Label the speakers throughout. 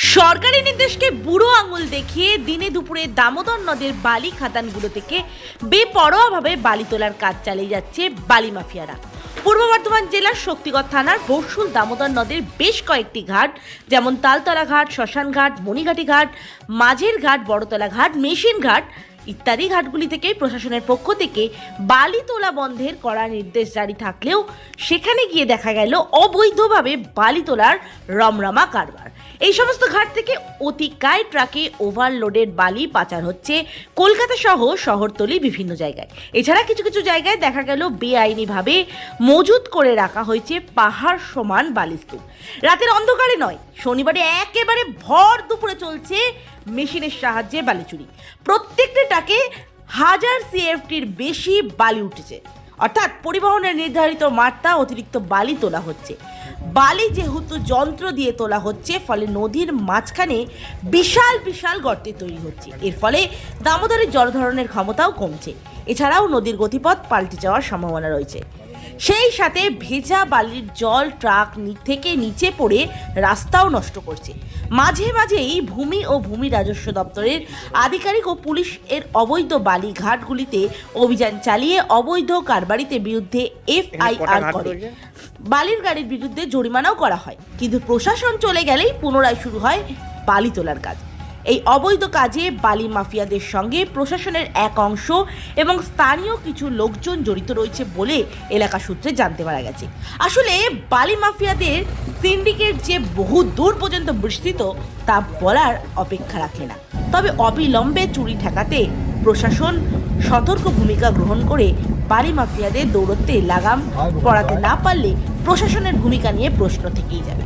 Speaker 1: সরকারি নির্দেশকে বুড়ো আঙুল দেখিয়ে দিনে দুপুরে দামোদর নদের বালি খাদানগুলো থেকে বেপরোয়াভাবে বালি তোলার কাজ চালিয়ে যাচ্ছে বালি মাফিয়ারা। পূর্ব বর্ধমান জেলার শক্তিগড় থানার বর্ষুল দামোদর নদের বেশ কয়েকটি ঘাট, যেমন তালতলা ঘাট, শ্মশান ঘাট, মণিঘাটি ঘাট, মাঝের ঘাট, বড়তলা ঘাট, মেশিন ঘাট ইত্যাদি ঘাটগুলি থেকে প্রশাসনের পক্ষ থেকে বালি তোলা বন্ধের কড়া নির্দেশ জারি থাকলেও সেখানে গিয়ে দেখা গেল অবৈধভাবে বালি তোলার রমরমা কারবার। এই সমস্ত ঘাট থেকে অতিকায় ট্রাকে ওভারলোডেড বালি পাচার হচ্ছে কলকাতা সহ শহরতলি বিভিন্ন জায়গায়। এছাড়া কিছু কিছু জায়গায় দেখা গেল বেআইনিভাবে মজুত করে রাখা হয়েছে পাহাড় সমান বালিস্তূপ। রাতের অন্ধকারে নয়, শনিবারে একেবারে ভর দুপুরে চলছে মেশিনের সাহায্যে বালি চুরি। প্রত্যেকটি ট্রাকে 1000 CFTর বেশি বালি উঠেছে, অর্থাৎ পরিবহনের নির্ধারিত মাত্রা অতিরিক্ত বালি তোলা হচ্ছে। বালি যেহেতু যন্ত্র দিয়ে তোলা হচ্ছে, ফলে নদীর মাঝখানে বিশাল বিশাল গর্তে তৈরি হচ্ছে। এর ফলে দামোদরের জলধারণের ক্ষমতাও কমছে। এছাড়াও নদীর গতিপথ পাল্টে যাওয়ার সম্ভাবনা রয়েছে। সেই সাথে ভেজা বালির জল ট্রাক থেকে নিচে পড়ে রাস্তাও নষ্ট করছে। মাঝে মাঝেই ভূমি ও ভূমি রাজস্ব দপ্তরের আধিকারিক ও পুলিশ এর অবৈধ বালি ঘাটগুলিতে অভিযান চালিয়ে অবৈধ কারবারিতে বিরুদ্ধে FIR করে বালির গাড়ির বিরুদ্ধে জরিমানাও করা হয়। কিন্তু প্রশাসন চলে গেলেই পুনরায় শুরু হয় বালি তোলার কাজ। এই অবৈধ কাজে বালি মাফিয়াদের সঙ্গে প্রশাসনের এক অংশ এবং স্থানীয় কিছু লোকজন জড়িত রয়েছে বলে এলাকা সূত্রে জানতে পারা গেছে। আসলে বালি মাফিয়াদের সিন্ডিকেট যে বহু দূর পর্যন্ত বিস্তৃত তা বলার অপেক্ষা রাখে না। তবে অবিলম্বে চুরি ঠেকাতে প্রশাসন সতর্ক ভূমিকা গ্রহণ করে বালি মাফিয়াদের দৌড়তে লাগাম পড়াতে না পারলে প্রশাসনের ভূমিকা নিয়ে প্রশ্ন থেকেই যাবে।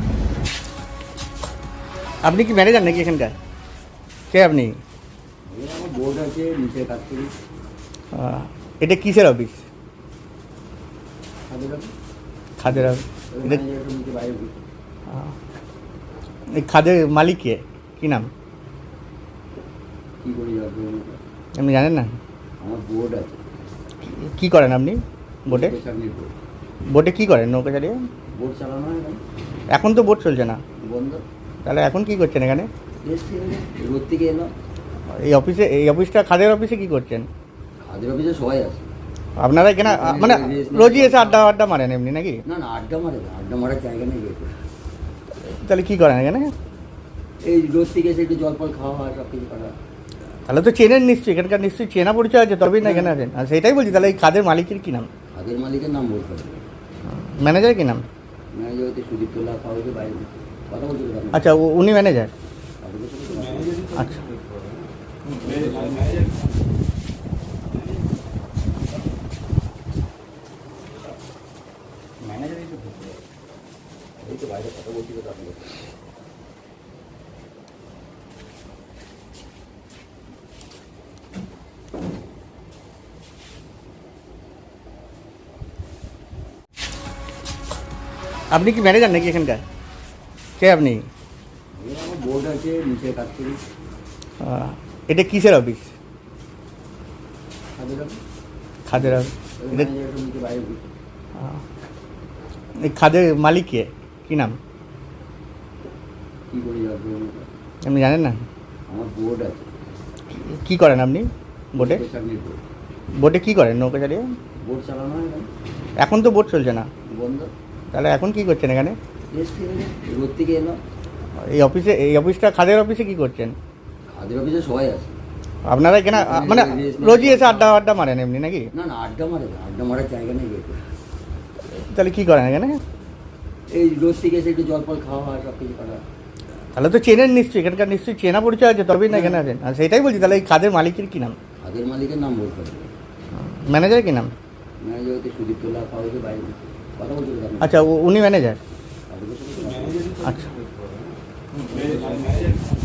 Speaker 2: আপনি কি ম্যানেজার নাকি এখানকার? কে আপনি?
Speaker 3: বোর্ড আছে, নিচে কাজ করি।
Speaker 2: এটা কিসের অফিস? খাদের অফিস। এই খাদের মালিক কে? কি নাম?
Speaker 3: কি করি
Speaker 2: আপনি জানেন না?
Speaker 3: আমার বোর্ড আছে।
Speaker 2: কি করেন আপনি বোটে? বোটে কি করেন? নৌকা চালিয়ে
Speaker 3: বোট চালানো হয় না।
Speaker 2: এখন তো বোট চলছে না,
Speaker 3: বন্ধ।
Speaker 2: তাহলে এখন কি করছেন এখানে?
Speaker 3: রোদ থেকে এলো।
Speaker 2: এই অফিসটা খাদের অফিসে কি করছেন?
Speaker 3: খাদের অফিসে সবাই আছে।
Speaker 2: আপনারা এখানে মানে রোজই এসে আড্ডা মারেন এমনি নাকি?
Speaker 3: না না, আড্ডা মারে না, আড্ডা মারার জায়গা নেই।
Speaker 2: তাহলে কি করেন এখানে?
Speaker 3: এই রোদ থেকে এসে একটু জল ফল খাওয়া হয়, সব কিছু করা।
Speaker 2: তাহলে তো চেনেন নিশ্চয়ই, এখানকার নিশ্চয়ই চেনা পরিচয় আছে, তবেই না এখানে আছেন। আর সেটাই বলছি, তাহলে এই খাদের মালিকের কি নাম?
Speaker 3: খাদের মালিকের নাম বলতে হবে।
Speaker 2: ম্যানেজার কি নাম?
Speaker 3: ম্যানেজার হচ্ছে সুদীপ তোলা, খাওয়াইতে বাইরে কথা বলতে হবে।
Speaker 2: আচ্ছা, উনি ম্যানেজার? আচ্ছা,
Speaker 3: এই তো বাইরে কথা বলছি তো আপনাদের।
Speaker 2: আপনি কি ম্যানেজার নাকি এখানকার? কে আপনি?
Speaker 3: আমার বোর্ড আছে, নিচে কাজ করি।
Speaker 2: এটা কিসের অফিস?
Speaker 3: খাদের অফিস।
Speaker 2: খাদের অফিস।
Speaker 3: নিচে বাইরে।
Speaker 2: এই খাদের মালিক কে? কি নাম?
Speaker 3: কি করি
Speaker 2: আপনি জানেন না?
Speaker 3: আমার বোর্ড আছে।
Speaker 2: কি করেন আপনি বোটে? বোটে কি করেন নৌকা চালিয়ে?
Speaker 3: বোট চালানো হয় না।
Speaker 2: এখন তো বোট চলছে না,
Speaker 3: বন্ধ।
Speaker 2: তাহলে এখন কি করছেন এখানে?
Speaker 3: রোদ থেকে এলো।
Speaker 2: এই অফিসটা খাদের অফিসে কি করছেন?
Speaker 3: খাদের অফিসে সবাই আছে।
Speaker 2: আপনারা এখানে মানে রোজই এসে আড্ডা মারেন এমনি নাকি?
Speaker 3: না না, আড্ডা মারে না, আড্ডা মারার জায়গা নেই।
Speaker 2: তাহলে কি করেন এখানে?
Speaker 3: এই রোদ থেকে এসে একটু জল ফল খাওয়া হয়, সব কিছু করা।
Speaker 2: তাহলে তো চেনেন নিশ্চয়ই, এখানকার নিশ্চয়ই চেনা পরিচয় আছে, তবেই না এখানে আছেন। আর সেটাই বলছি, তাহলে এই খাদের মালিকের কি নাম?
Speaker 3: খাদের মালিকের নাম বলতে হবে।
Speaker 2: ম্যানেজার কি নাম?
Speaker 3: ম্যানেজার হচ্ছে সুদীপ তোলা, খাওয়াইতে বাইরে কথা বলতে হবে।
Speaker 2: আচ্ছা, উনি ম্যানেজার? আচ্ছা।